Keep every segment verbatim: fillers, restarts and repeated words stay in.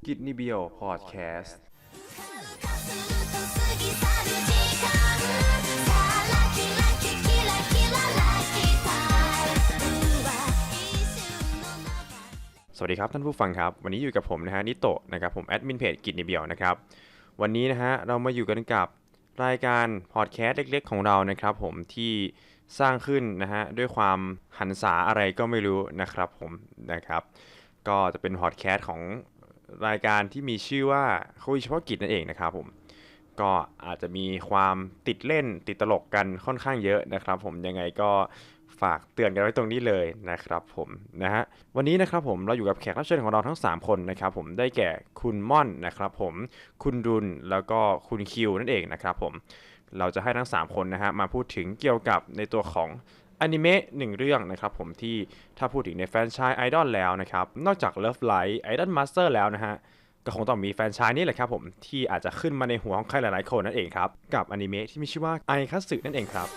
กิจนิเบียวพอดแคสต์สวัสดีครับท่านผู้ฟังครับวันนี้อยู่กับผมนะฮะนิโตะนะครับผมแอดมินเพจกิจนิเบียวนะครับวันนี้นะฮะเรามาอยู่กันกับรายการพอดแคสต์เล็กๆของเรานะครับผมที่สร้างขึ้นนะฮะด้วยความหันษาอะไรก็ไม่รู้นะครับผมนะครับก็จะเป็นพอดแคสต์ของรายการที่มีชื่อว่าคุยเฉพาะกิจนั่นเองนะครับผมก็อาจจะมีความติดเล่นติดตลกกันค่อนข้างเยอะนะครับผมยังไงก็ฝากเตือนกันไว้ตรงนี้เลยนะครับผมนะฮะวันนี้นะครับผมเราอยู่กับแขกรับเชิญของเราทั้งสามคนนะครับผมได้แก่คุณม่อนนะครับผมคุณดุลแล้วก็คุณคิวนั่นเองนะครับผมเราจะให้ทั้งสามคนนะฮะมาพูดถึงเกี่ยวกับในตัวของอนิเมะหนึ่งเรื่องนะครับผมที่ถ้าพูดถึงในแฟรนไชส์ไอดอลแล้วนะครับนอกจาก Love Live Idol Master แล้วนะฮะก็คงต้องมีแฟรนไชส์นี้แหละครับผมที่อาจจะขึ้นมาในหัวของใครหลายๆคนนั่นเองครับกับอนิเมะที่มีชื่อว่าไอคัตสึนั่นเองครับ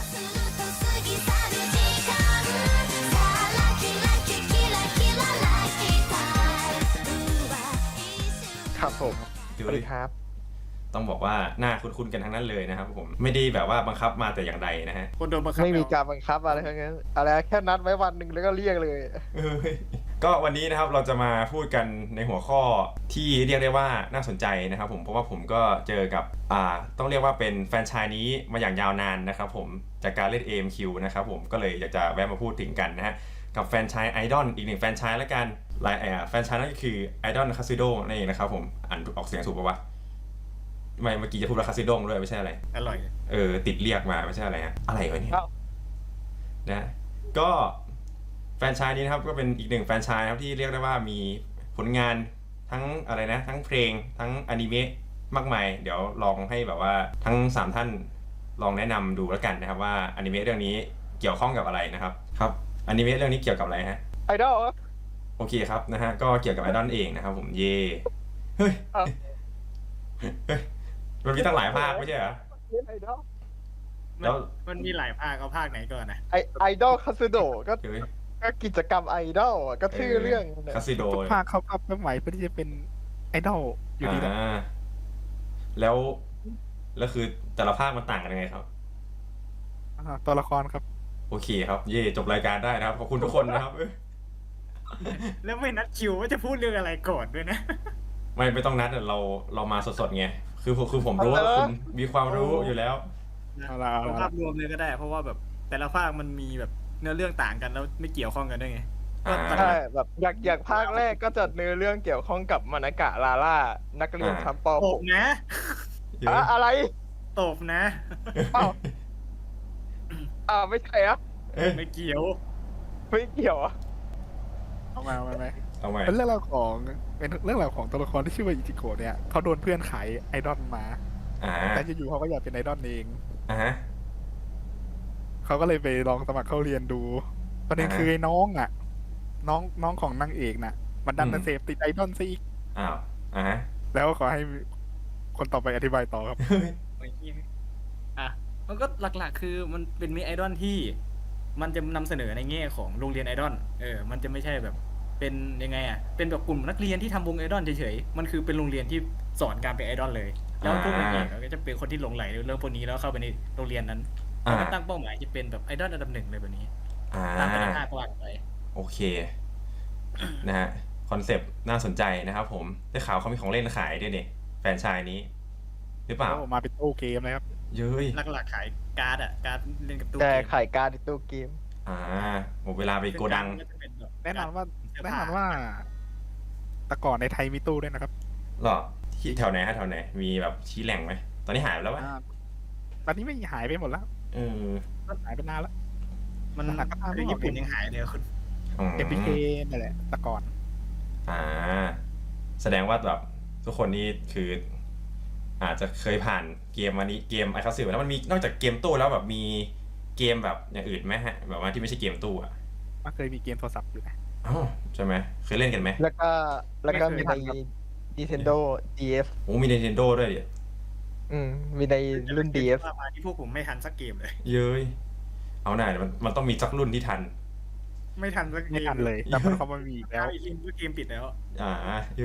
ครับผมสวัสดีครับต้องบอกว่าหน้าคุ้นๆกันทั้งนั้นเลยนะครับผมไม่ได้แบบว่าบังคับมาแต่อย่างใดนะฮะคนโดนบังคับไม่มีการบังคับอะไรทั้งนั้นอะไรแค่นัดไว้วันหนึ่งแล้วก็เรียกเลยก็วันนี้นะครับเราจะมาพูดกันในหัวข้อที่เรียกได้ว่าน่าสนใจนะครับผมเพราะว่าผมก็เจอกับอ่าต้องเรียกว่าเป็นแฟรนไชส์นี้มาอย่างยาวนานนะครับผมจากการเล่น เอ เอ็ม คิว นะครับผมก็เลยอยากจะแวะมาพูดถึงกันนะฮะกับแฟรนไชส์ไอดอลอีกหนึ่งแฟรนไชส์แล้วกันลายอ่าแฟรนไชส์นั่นก็คือไอดอลคาซิโดนั่นเองนะครับผมอ่านออกเสียงถูกป่าววะไม่เมื่อกี้จะพูดว่าคาซิโดงด้วยไม่ใช่อะไรอร่อยเออติดเรียกมาไม่ใช่อะไรฮะอะไรวะเนี่ยนะก็แฟรนไชส์นี้นะครับก็เป็นอีกหนึ่งแฟรนไชส์ครับที่เรียกได้ว่ามีผลงานทั้งอะไรนะทั้งเพลงทั้งอนิเมะมากมายเดี๋ยวลองให้แบบว่าทั้งสามท่านลองแนะนำดูแล้วกันนะครับว่าอนิเมะเรื่องนี้เกี่ยวข้องกับอะไรนะครับครับอนิเมะเรื่องนี้เกี่ยวกับอะไรฮะไอดอลโอเคครับนะฮะก็เกี่ยวกับไอดอลเองนะครับผมเย่เฮ้ยเฮ้ยมันมีตั้งหลายภาคไม่ใช่เหรอไอดอลแล้วมันมีหลายภาคเอาภาคไหนก่อนนะไอไอดอลคาสิโดก็ก็กิจกรรมไอดอลก็ชื่อเรื่องคาสิโดภาคเขาปรับใหม่เพื่อที่จะเป็นไอดอลอยู่ดีนะแล้วแล้วคือแต่ละภาคมันต่างกันยังไงครับตัวละครครับโอเคครับเย่จบรายการได้นะครับขอบคุณทุกคนนะครับแล้วไม่นัดคิวว่าจะพูดเรื่องอะไรก่อนด้วยนะไม่ไม่ต้องนัดเราเรามาสดๆไงคือคือผมรู้ว่าคุณมีความรู้อยู่แล้วเอาภาพรวมเลยก็ได้เพราะว่าแบบแต่ละภาคมันมีแบบเนื้อเรื่องต่างกันแล้วไม่เกี่ยวข้องกันด้วยไงใช่แบบอยากอยากภาคแรกก็จะเนื้อเรื่องเกี่ยวข้องกับมานากะลาล่านักเรียนชั้นป .หก นะอะไรตบนะอ้าวอ้าวไม่ใช่อะไม่เกี่ยวไม่เกี่ยวอะเอามาเอาไหมเอาไหมเป็นเรื่องราวของเป็นเรื่องราวของตัวละครที่ชื่อว่าอิจิโกะเนี่ยเขาโดนเพื่อนขายไอดอลมาแต่อยู่ๆเขาก็อยากเป็นไอดอลเองอ่าฮะเขาก็เลยไปลองสมัครเข้าเรียนดูประเด็นคือไอ้น้องอ่ะน้องน้องของนางเอกน่ะมันดันมาเสพติดไอดอลซะอีกอ้าวอ่าฮะแล้วขอให้คนต่อไปอธิบายต่อครับอ่ะมันก็หลักๆคือมันเป็นมีไอดอลที่มันจะนำเสนอในแง่ของโรงเรียนไอดอลเออมันจะไม่ใช่แบบเป็นยังไงอ่ะเป็นแบบกลุ่มนักเรียนที่ทำวงไอดอลเฉยๆมันคือเป็นโรงเรียนที่สอนการเป็นไอดอลเลยแล้วพวกนางเอกก็จะเป็นคนที่หลงไหลในเรื่องพวกนี้แล้วเข้าไปในโรงเรียนนั้นแล้วตั้งเป้าหมายจะเป็นแบบไอดอลอันดับหนึ่งเลยแบบนี้ตามไปในภาคกว้างไปโอเคนะฮะคอนเซปต์น่าสนใจนะครับผมได้ข่าวเขามีของเล่นขายด้วยเนี่ยแฟรนไชส์นี้หรือเปล่ามาเป็นตู้เกมนะครับเย้ยหลักๆขายการ์ดอ่ะการ์ดเล่นกับตู้แต่ขายการ์ดในตู้เกมอ่าหมดเวลาไปโกดังแน่นอนว่าแน่นอนว่าแต่ก่อนในไทยมีตู้ด้วยนะครับหรอที่แถวไหนฮะแถวไหนมีแบบชี้แหล่งไหมตอนนี้หายไปแล้ววะตอนนี้ไม่หายไปหมดแล้วเออหายไปนานแล้วมันหนักก็ตามญี่ปุ่นยังหายเลยคุณเอ็มพีเคนั่นแหละแต่ก่อนอ่าแสดงว่าแบบทุกคนนี่คืออาจจะเคยผ่านเกมวันนี้เกมไอคัสซิลแล้วมันมีนอกจากเกมตู้แล้วแบบมีเกมแบบอย่างอื่นไหมฮะแบบว่าที่ไม่ใช่เกมตู้อ่ะมันเคยมีเกมโทรศัพท์อยู่นะอ๋อใช่ไหมเคยเล่นกันไหมแล้วก็แล้วก็มีใน Nintendo ดี เอสโอ้มี Nintendo ด้วยดิอืมมีในรุ่น ดี เอสมาที่พวกผมไม่ทันสักเกมเลยเย้ยเอาหน่ามันมันต้องมีสักรุ่นที่ทันไม่ทันสักเกมเลยแต่มันเขาไม่มีแล้วอีกรุ่นเกมปิดแล้วอ่าเย้ย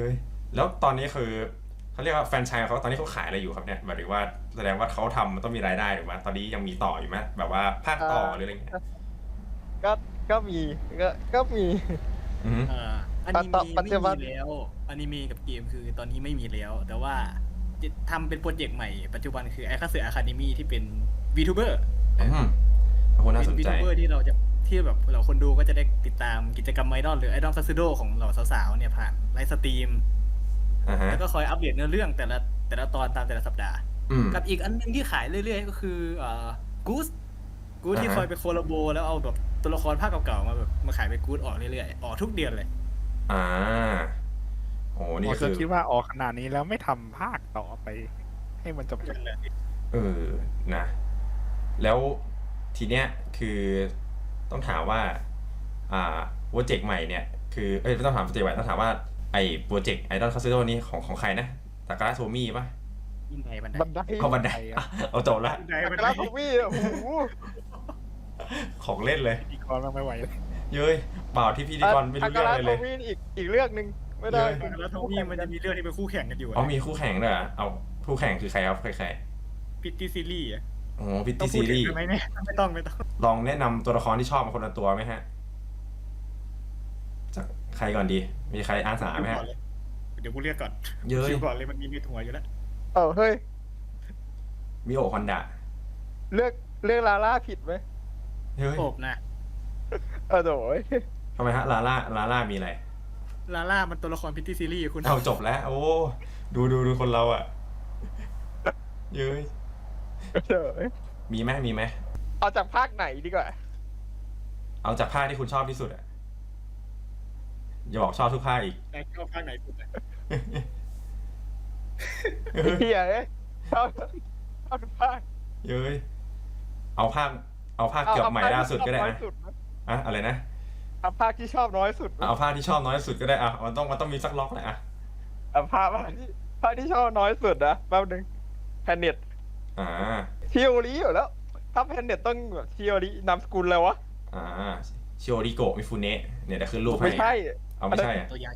แล้วตอนนี้คือเขาเรียกว่าแฟรนไชส์เขาตอนนี้เขาขายอะไรอยู่ครับเนี่ยหมายถึงว่าแสดงว่าเขาทำมันต้องมีรายได้ถูกไหมตอนนี้ยังมีต่ออยู่ไหมแบบว่าภาคต่อหรืออะไรเงี้ยก็ก็มีก็ก็มีอือฮึเอ่ออนิต่อเมะปัจไม่จุบันมีแล้วอนิเมะกับเกมคือตอนนี้ไม่มีแล้ว แต่ว่าจะทำเป็นโปรเจกต์ใหม่ปัจจุบันคือไอคาเซอร์อะคาเดมี่ที่เป็น VTuber อืมโอ้โหน่าสนเป็นใจ VTuber ที่เราจะที่แบบเราคนดูก็จะได้ติดตามกิจกรรมไอดอลหรือไอดอลซัสซิโดของเหล่าสาวๆเนี่ยผ่านไลฟ์สตรีมอ่าฮะแล้วก็คอยอัปเดตเนื้อเรื่องแต่ละแต่ละตอนตามแต่ละสัปดาห์อืมกับอีกอันหนึงที่ขายเรื่อยๆ ก็คือเอ่อกูสกูสที่อ่าฮะคอยไปโคลาโบแล้วเอาแบบตัวละครภาคเก่าๆมาแบบมาขายเป็นกูสออกเรื่อยๆออกทุกเดือนเลยอ่าโอ้นี่ผมคืจะอคิดว่าออกขนาดนี้แล้วไม่ทำภาคต่อไป ให้มันจบจบเออนะ แล้วทีเนี้ยคือต้องถามว่า อ่าโปรเจกต์ใหม่เนี่ยคือเอ้ยไม่ต้องถามโปรเจกต์ใหม่ต้องถามว่าไอ้โปรเจกต์ไอดอลคาสิโดนี่ของของใครนะตากา a โทมี่ปะยิ่งไงบันไดบันไดเอาบันไดอ่ะเอาจบละบันไดอับันคไดราโทมี่โอ้โหของเล่นเลยพิธีกรมันไม่ไหวเลยเย้ยเปล่าที่พิธีกรไม่รู้เรื่องอะไรเลยอัคราโทมี่อีกอีกเรื่องหนึ่งไม่ได้เยอะแล้วโทนี่มันจะมีเรื่องที่เป็นคู่แข่งกันอยู่อ๋อมีคู่แข่งด้วยเหรอเอาคู่แข่งคือใครครับใครใครพิตตี้ซีรีส์อะอ๋อพิตต้อตี้งพูซีดถึรีงส์ได้ไหมเนี่ยไม่ต้องไม่ต้องลองแนะนำตัวละครที่ชอบมาคนละตัวไหมฮะ จากใครก่อนดี มีใครอาสาไหมฮะเดี๋ยวกูเรียกก่อนเย้ยคิวก่อนเลยมันมีในหัวอยู่แล้วเออเฮ้ยมิโอะฮอนดะเลือกเลือกลาล่าผิดไหมเฮ้ยโอบนะเออโดยทำไมฮะลาล่าลาล่ามีอะไรลาล่ามันตัวละครพิตตี้ซีรีส์คุณเอาจบแล้ว โอ้ดูดูดูคนเราอ่ะ เย้ยโดยมีไหมมีไหมเอาจากภาคไหนดีกว่าเอาจากภาคที่คุณชอบที่สุดอ่ะอย่าบอกชอบทุกภาคอีกแต่เข้าข้างไหนสุดอะเฮียเอ้ยเอาเอาทุกภาคเย้ยเอาภาค เอาภาคเกือบใหม่ล่าสุดก็ได้เอานะภาคที่ชอบน้อยสุดนะอะอะไรนะเอาภาคที่ชอบน้อยสุดนะเอาภาคที่ชอบน้อยสุดก็ได้อ่ะมันต้องมันต้องมีสักล็อกแหละอ่ะเอาภาคภาคที่ภาคที่ชอบน้อยสุดนะแป๊บนึงแพนเน็ตอ่าชิโอริอยู่แล้ว ถ้าแพนเน็ตต้องแบบชิโอรินามสกุลแล้ววะอ่าชิโอริโกะมิฟุเนะเนี่ยเดี๋ยวขึ้นรูปให้ไม่ใช่เอาไม่ใช่อ่ะโมโตยะ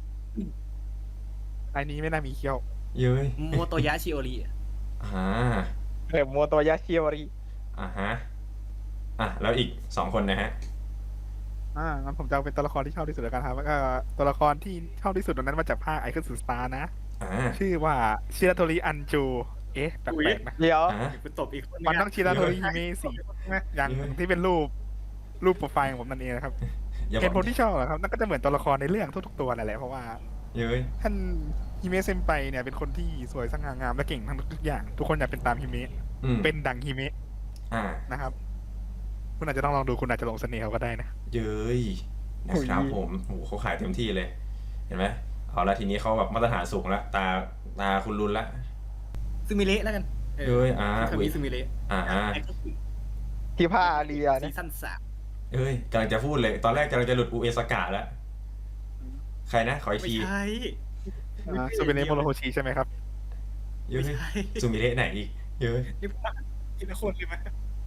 ไอ้นี้ไม่น่ามีเคี้ยวเย้ยโมโตยะชิโอริอะอ่าเออโมโตยะชิโอริอ่าฮะอ่ะแล้วอีกสองคนนะฮะอ่างั้นผมจะเอาเป็นตัวละครที่ชอบที่สุดแล้วกันครับแล้วก็ตัวละครที่ชอบที่สุดตรงนั้นมาจากภาคไอคอนสุดสตาร์นะอ่าชื่อว่าชิราโทริอันจู เอ๊ะแปลกๆนะเดี๋ยวอ่าเดี๋ยวกูตบอีกคนมันนึต้องชิราโทริฮิเมะสีอย่างเยอะที่เป็นรูปรูปโปรไฟล์ของผมนั่นเองนะครับอย่าบเหอกตุผลที่ชอบเหรอครับนั่นก็จะเหมือนตัวละครในเรื่องทุกๆตัวนั่นแหละเพราะว่าเย้ยท่านฮิเมะเซมไปเนี่ยเป็นคนที่สวยสง่างามและเก่งทั้งทุกอย่าง ทุกคนอยากเป็นตามฮิเมะอืมเป็นดังฮิเมะอ่านะครับ คุณอาจจะต้องลองดูคุณอาจจะหลงเสน่ห์เขาก็ได้นะเย้ยนะครับผมโอ้โหเขาขายเต็มที่เลย เห็นไหมเอาละทีนี้เขาแบบมาตรฐานสูงแล้วตาตาคุณรุนละซึมิเละแล้วกันเอ้ยอ่าคำนี้ซึมิเละอ่าอ่าไอ้ก็คือที่ผ้าอาเรียซีเนี่ยซั่นสามเอ้ยกำลังจะพูดเลย ตอนแรกกำลังจะหลุดอูเอสกาแล้ว ใครนะ ขออีกไม่ทีใช่อ่าซูเปเนโมโรโฮชิใช่ไหมครับเย้ยไม่ใช่ซูมิเระไหนอีกเย้ยนี่พวกทีละคนเลยไหม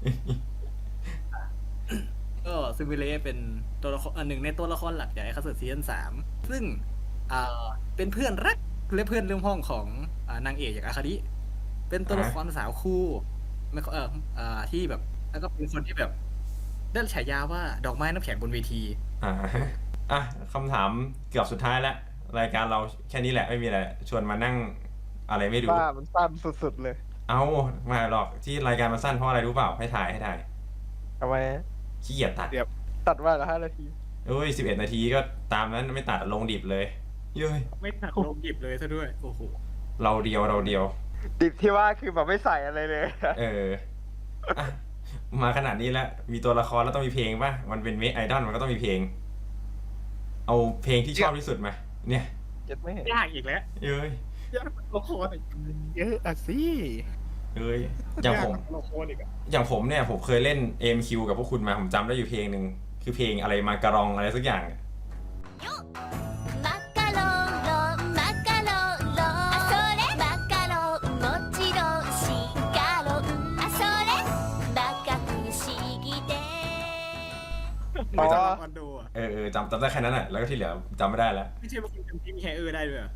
ก็ซึมิเละเป็นตัวละครอันหนึ่งในตัวละครหลักจากไอ้คาสึซีซั่นสามซึ่งอ่าเป็นเพื่อนรักและเพื่อนร่วมห้องของอ่านางเอกอย่างอาคาดิเป็นตัวละครสาวคู่ไม่เอออ่าที่แบบ แล้วก็เป็นคนที่แบบได้ฉายาว่าดอกไม้น้ำแข็งบนเวทีอ่าอ่ะคำถามเกือบสุดท้ายแล้ว รายการเราแค่นี้แหละไม่มีอะไร ชวนมานั่งอะไรไม่รู้บ้ามันสั้นสุดๆเลยเอามาหรอกที่รายการมันสั้นเพราะอะไรรู้เปล่า ให้ถ่ายให้ถ่ายทำไมขี้เกียจตัดเดี๋ยวตัดว่าละห้านาทีเอ้ยสิบเอ็ดนาทีก็ตามนั้นไม่ตัดลงดิบเลยเย้ยไม่ตัดลงหยิบเลยซะด้วย โอ้โหเราเดียวเราเดียวดิบที่ว่าคือแบบไม่ใส่อะไรเลยเอออ่ะมาขนาดนี้แล้ว มีตัวละครแล้วต้องมีเพลงป่ะ มันเป็นเมคไอดอลมันก็ต้องมีเพลง เอาเพลงที่ชอบที่สุดมา เนี่ยเจ็ดไม่เห็นยากอีกแล้วเอ้ยยากเป็นละครอีกเยอะอะสิเอ้ย อย่างผมละครอีกอะอย่างผมเนี่ย ผมเคยเล่น เอ็ม คิว กับพวกคุณมา ผมจำได้อยู่เพลงหนึ่ง คือเพลงอะไรมาการองอะไรสักอย่างマカロンロンマカロンロンあそれマカロンもちろんシカロンあそれバカ不思議でไม่จำลองคอนโดอะเออเออจำจำได้แค่นั้นแหละแล้วก็ที่เหลือจำไม่ได้แล้วไม่ใช่ว่าคุณจำที่มีแฮเออร์ได้ด้วยเหรอ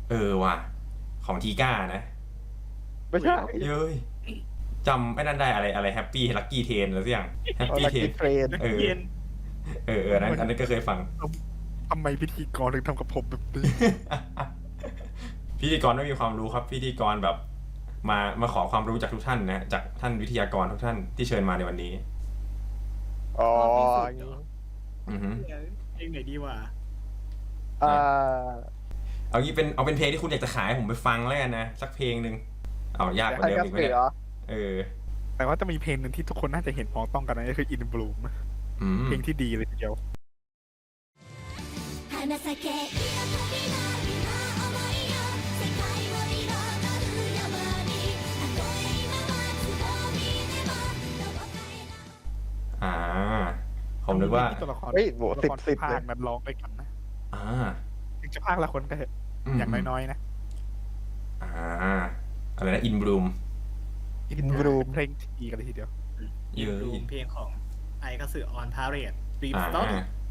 เออว่ะของทีก้านะไม่ใช่เย้ยจำไอ้นั่นได้อะไรอะไรแฮปปี้ลักกี้เทนหรือสักอย่างแฮปปี้ลักเทนกี้เทรนเออเย็นเออเอออันนั้นอันนั้นก็เคยฟังทำไมพิธีกรถึงทำกับผมแบบนี้พิธีกรไม่มีความรู้ครับพิธีกรแบบมามาขอความรู้จากทุกท่านนะจากท่านวิทยากรทุกท่านที่เชิญมาในวันนี้อ๋ออือฮึเพลงไหนดีวะอ่าเอางี้เป็นเอาเป็นเพลงที่คุณอยากจะขายให้ผมไปฟังแล้วกันนะสักเพลงหนึ่งเอายากกว่าใครเดิมกันอีกไหมเสืเนี่ยอเออแต่ว่าจะมีเพลงหนึ่งที่ทุกคนน่าจะเห็นพ้องต้องกันนะก็คือ In Bloom อืมเพลงที่ดีเลยทีเดียว花咲け彩りなるな想いよ世界を彩る山にたとえ今はつぼみでもどこかへอ่า ผมนึกว่าตัวละครเฮ้ยโหตัวละครสิบภาเลคยนั้นร้องด้วยกันนะอ่าถึงจะภาคละคนก็เถอะมอย่างน้อยๆนะอ่าอะไรนะอินบลูม In Bloom เพลงที่ดีกันเลยทีเดียวเยอะรูมเพลงของไอก็สื่อออนพาเรดรีบอ่าสต็อป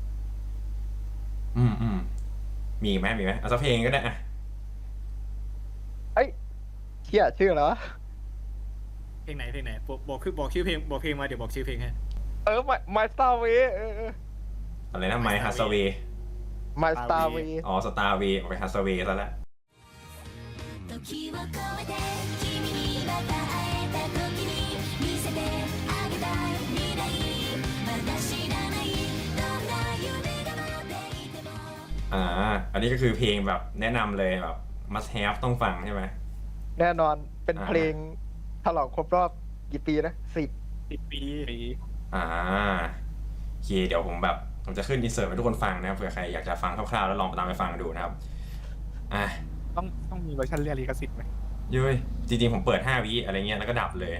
อืมอืมมีอีกไหมมีไหมเอาสักเพลงก็ได้อะเอ้ยเชี่ยชื่ออะไรวะเพลงไหนเพลงไหนบอกบอกคือบอกชื่อเพลงบอกเพลงมาเดี๋ยวบอกชื่อเพลงให้เออ My My Star Way เออเอออะไรนะไมฮัสเว My Star Way อ๋อสตาร์เวออกไปฮัสเวซะแล้ว時を越えて君にまた会えた時に見せてあげたい未来まだ知らないどんな夢が待っていてもอ่า อันนี้ก็คือเพลงแบบแนะนำเลยแบบ must have ต้องฟังใช่ไหมแน่นอนเป็นอ่าเพลงฉลองครบรอบกี่ปีนะสิบสิบปีอ่าโอเคเดี๋ยวผมแบบผมจะขึ้นอินเสิร์ตให้ทุกคนฟังนะครับเผื่อใครอยากจะฟังคร่าวๆแล้วลองตามไปฟังดูนะครับอ่ะต้องต้องมีเวอร์ชันเรียกลิขสิทธิ์ไหมเย้ยจริงๆผมเปิดห้าวิอะไรเงี้ยแล้วก็ดับเลย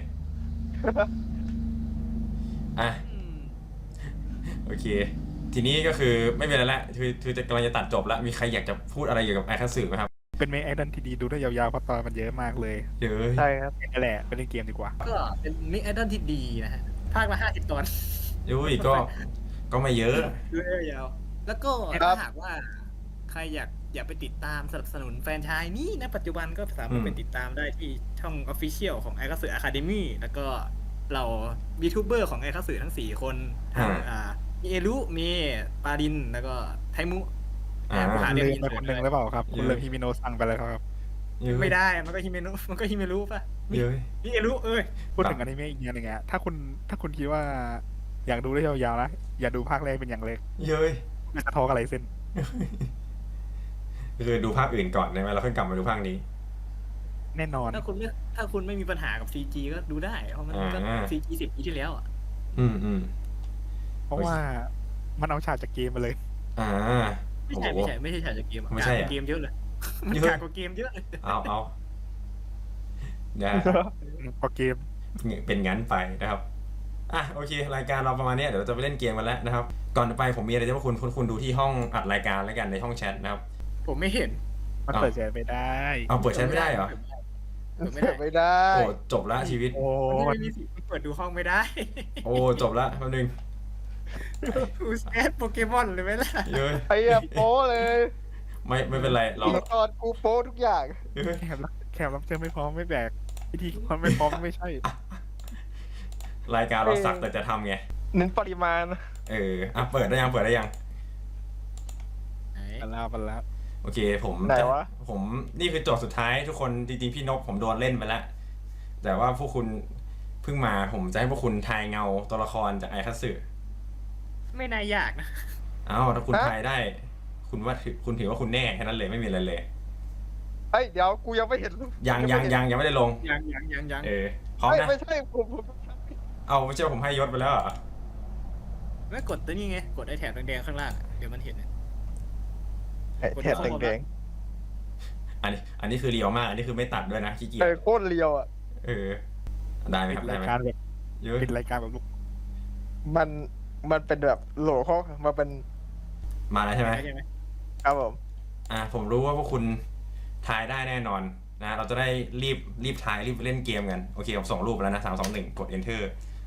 อ่ะโอเค ทีนี้ก็คือไม่เป็นไรละคือคือจะกำลังจะตัดจบแล้วมีใครอยากจะพูดอะไรเกี่ยวกับไอคัตสึไหมครับเป็นเมย์ไอดอลที่ดีดูได้ยาวๆเพราะตอนมันเยอะมากเลยเย้ยใช่ครับนั่นแหละไปเล่นเกมดีกว่าก็เป็นมิกไอดอลที่ดีนะฮะภาคละห้าสิบตอนเย้ยก็ก็ไม่เยอะดูได้ยาวแล้วก็ครัถ้าบหากว่าใครอยากอยากไปติดตามสนับสนุนแฟรนไชส์นี้นะปัจจุบันก็สามารถไปติดตามได้ที่ช่อง Official ของไอคัตสึอะคาเดมี่แล้วก็เรายูทูบเบอร์ของไอคัตสึทั้งสี่คนทั้งอ่าอ่ามีเอรุมีปารินแล้วก็ไทมุอ่าผู้หาลืเรื่องมไปคนหนึ่งหรือเปล่าครับ คุณเยอะเลยฮิมิโนะสั่งไปแล้วครับเย้ยไม่ได้มันก็ฮิเมนุมันก็ฮิเมรุป่ะมีเย้ยมีเอรุเอ้ยพูดถึงอนิเมะอีกอย่างหนึ่งอะถ้าคุณถ้าคุณคิดว่าอยากดูได้ยาวๆนะอย่าดูภาคแรกเป็นอย่างเล็กเย้ยไม่สะท้อนอะไรเส้นคือดูภาคอื่นก่อนได้ไหมเราค่อยกลับมาดูภาคนี้แน่นอนถ้าคุณไม่ถ้าคุณไม่มีปัญหากับ ซี จี ก็ดูได้เพราะมันก็อ่าซี จี สิบปีที่แล้วอ่ะอืมอืมเพราะว่ามันเอาฉากจากเกมมาเลยอ่าไม่โอ้ใช่โหไม่ใช่ไม่ใช่ฉากจากเกมอะไม่ใช่กากอะกว่าเกมเยอะเลยมันเยอะกากกว่าเกมเยอะเลยเอาเอานะพอเกมเป็นงั้นไปนะครับอ่ะโอเค รายการเราประมาณนี้เดี๋ยวเราจะไปเล่นเกมกันแล้วนะครับ ก่อนไปผมมีอะไรจะให้คุณคุณคุณดูที่ห้องอัดรายการแล้วกันในห้องแชทนะครับผมไม่เห็นมันอ้าวเปิดแชร์ไม่ได้เอาเปิดแชทไม่ได้เหรอเปิดไม่เปิได้ดไม่ได้โอ้จบละชีวิตโอ้มันมัไม่นมีสิทธิ์เปิดดูห้องไม่ได้โอ้จบละแป๊บนึงอูสแอดโปเกมอนเลยไหมล่ะเย้ยไอ้เหี้ยโป้เลยไม่ไม่เป็นไรเราละครกูโป้ทุกอย่างเย้ยแขกรับแขกรับเชิญไม่พร้อมไม่แบกพิธีกรไม่พร้อมไม่ใช่รายการเราสักแต่จะทำไงเน้นปริมาณเอออ่ะเปิดได้ยังเปิดได้ยังปันแล้วปันแล้วโอเคผมไหนจะวะผมนี่คือโจทย์สุดท้ายทุกคนจริงๆพี่นกผมโดนเล่นไปแล้ว แต่ว่าพวกคุณเพิ่งมาผมจะให้พวกคุณทายเงาตัวละครจากไอคัตสึไม่น่ายากนะอ้าวถ้าคุณฮะทายได้ คุณว่าถือคุณถือว่าคุณแน่แค่นั้นเลยไม่มีอะไรเลยเอ้ยเดี๋ยวกูยังไม่เห็นยังยังยังยังไม่ได้ลงยังยังยังยังเออพร้อมเอ้ยนะไม่ใช่ผมผมเอาไม่ใช่ว่าผมให้ยศไปแล้วเหรอไม่กดตัวนี้ไงกดไอแถบแดงๆข้างล่างอะเดี๋ยวมันเห็นอะไอ้แถบแดงอันนี้อันนี้คือเรียวมาก อันนี้คือไม่ตัดด้วยนะขี้เกีๆยเอจอโคตรเรียวอ่ะเออได้ไหมปิคดรับได้รายไหมการแบบเยอะปิดรายการแบบลูกมันมันเป็นแบบโหลข้อมาเป็นมาแล้วใช่ไหมใช่ไหมครับผมอ่าผมรู้ว่าพวกคุณทายได้แน่นอนนะเราจะได้รีบรีบทายรีบเล่นเกมกันโอเคผมส่งรูปไปแล้วนะสามสองหนึ่งกด enter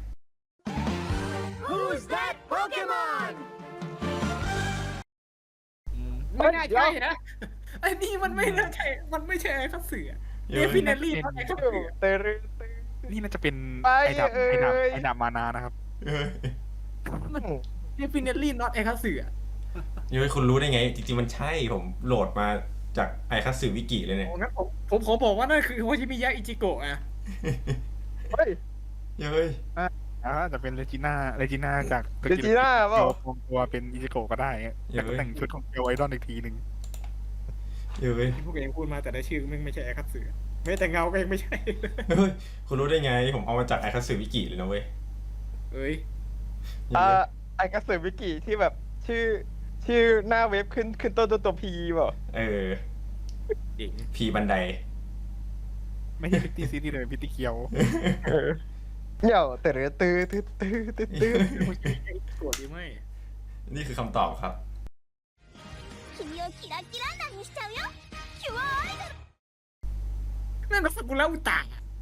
Who's that Pokemon ไม่น่าใช่นะไอ้นี่มันไม่น่าใช่มันไม่ใช่ไอ้คัตสึเดเย้ยฟิเนลลี่ไอ้คัตสึเตอร์ตึงนี่น่าจะเป็นไปไอ้ดาบเอ่ยไอ้ดาบไอ้ดาบมานานะครับเย้ยมันเดฟิเนลลี่ not ไอ้คัตสึเย้ยคุณรู้ได้ไง จริงๆมันใช่ผมโหลดมาจากไอคัตสึวิกิเลยเนี่ยงั้นผมผมขอบอกว่านั่นคือโฮชิมิยะอิจิโกะอะเฮ้ยเย้ยอ่าจะเป็นเลจิน่าเลจิน่าจากเดจิน่าเปล่าปลอมตัวเป็นอิจิโกะก็ได้แต่ก็แต่งชุดของเกลไอดอนอีกทีหนึ่งเย้ยที่พวกเองพูดมาแต่ละชื่อมันไม่ใช่ไอ้คัตสึแม้แต่เงาก็ยังไม่ใช่เฮ้ยคุณรู้ได้ไง ผมเอามาจากไอคัตสึวิกิเลยนะเว้ยเอ้ยเย้อ่าย ไอกระสือวิกิที่แบบชื่อ ชื่อหน้าเว็บขึ้นขึ้นต้นตัวตัวพีเปล่าเออเจ๋งพีบันไดไม่ใช่พิตตี้ซีรีส์เลยเป็นพิตตี้เคียวเหี่ยวเตอร์ตื้อตื้อตื้อตื้อตื้อโฮชิมิยะอิจิโกะหรือไม่นี่คือคำตอบครับ君をキラキラなにしちゃうよキュアアイドルนั่นน่ะซากุระอุตะ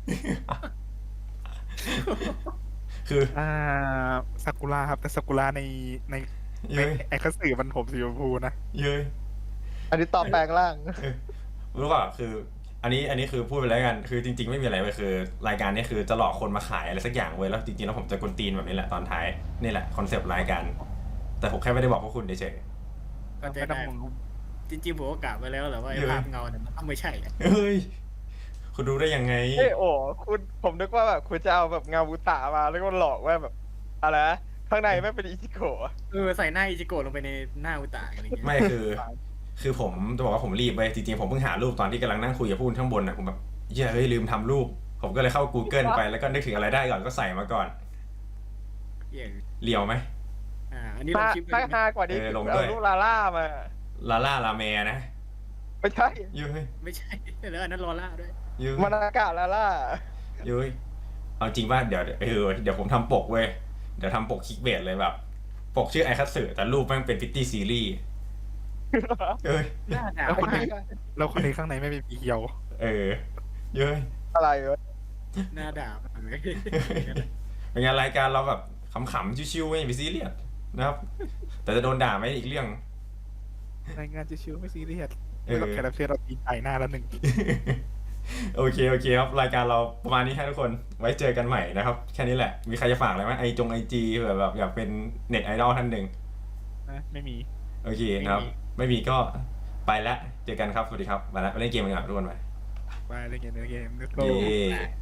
คืออ่าซากุระครับแต่ซากุระในในในเย้ยไอคัตสึมันผมสีชมพูนะเย้ยอันนี้ตอบแปลงร่างเออรู้ป่ะคือ อันนี้อันนี้คือพูดไปแล้วกัน คือจริง ๆ ไม่มีอะไรเลยคือ รายการนี้คือจะหลอกคนมาขายอะไรสักอย่างเว้ยแล้วจริงๆแล้วผมจะกวนตีนแบบนี้แหละตอนท้ายนี่แหละคอนเซปต์รายการแต่ผมแค่ไม่ได้บอกพวกคุณเฉยก็ใจไม่ต้อได้งมองจริงๆผมก็กะไว้แล้วแหละว่าไอ้เยอะภาพเงาเนี่ยมันต้องไม่ใช่อะๆเฮ้ยคุณรู้ได้ยังไงเอ้ยโอ้คุณผมนึกว่าแบบคุณจะเอาแบบเงาบุตะมาแล้วก็หลอกว่าแบบอะไรนะข้างในไม่เป็นอิจิโกะเออใส่หน้าอิจิโกะลงไปในหน้าอุตะอะไรอย่างเงี้ยไม่คือ คือผมจะบอกว่าผมรีบไปจริงๆผมเพิ่งหารูปตอนที่กำลังนั่งคุยกับผู้ข้างบนนะผมแบบเหี้ยเฮ้ยลืมทำรูป ผมก็เลยเข้า Google ไปแล้วก็นึกถึงอะไรได้ก่อนก็ใส่มาก่อนเหี้ยเลียวไหมอ่าอันนี้ลงถ้าคลิปเลยถ้าไหมฮากว่านี้เออลงด้เอาวยลูกลาล่ามาลาล่าลาเมนะไม่ใช่เย้ยไม่ใช่แล้วอันนั้นลอล่าด้วยเย้ยมานากะลาล่าเย้ยเอาจริงว่าเดี๋ยวเออเดี๋ยวผมทำปกเว้ยเดี๋ยวทำปกคลิกเบสเลยแบบ ปกชื่อไอคัตสึแต่รูปแม่งเป็นพิตตี้ซีรีส์เอ้ยหน้าด่าแล้วคนมากนี้แล้วคนนี้ข้างในไม่เป็นผีเคียวเออเย้ยอะไรวะหน้าด่ามากเลยเป็นไงรายการเราแบบขำๆชิวๆไม่ไปซีเรียสนะครับ แต่จะโดนด่าไหมอีกเรื่องรายงานจะชิวไม่ซีเรียสเอไม่อต้องแคร์รับเชิญเราตีนไก่หน้าแล้วหนึ่งโอเคโอเคครับรายการเราประมาณนี้ให้ทุกคนไว้เจอกันใหม่นะครับ แค่นี้แหละ มีใครจะฝากอะไรไหมไอจงไอจีแบบแบบอยากเป็นเน็ตไอดอลท่านหนึ่งนะไม่มีโอเคนะครับ ไม่มีก็ไปแล้วเจอกันครับ สวัสดีครับมาแล้วไปเล่นเกมกันก่อนทุกคนไปไปเล่นเกมเล่นเกม let's เย้ go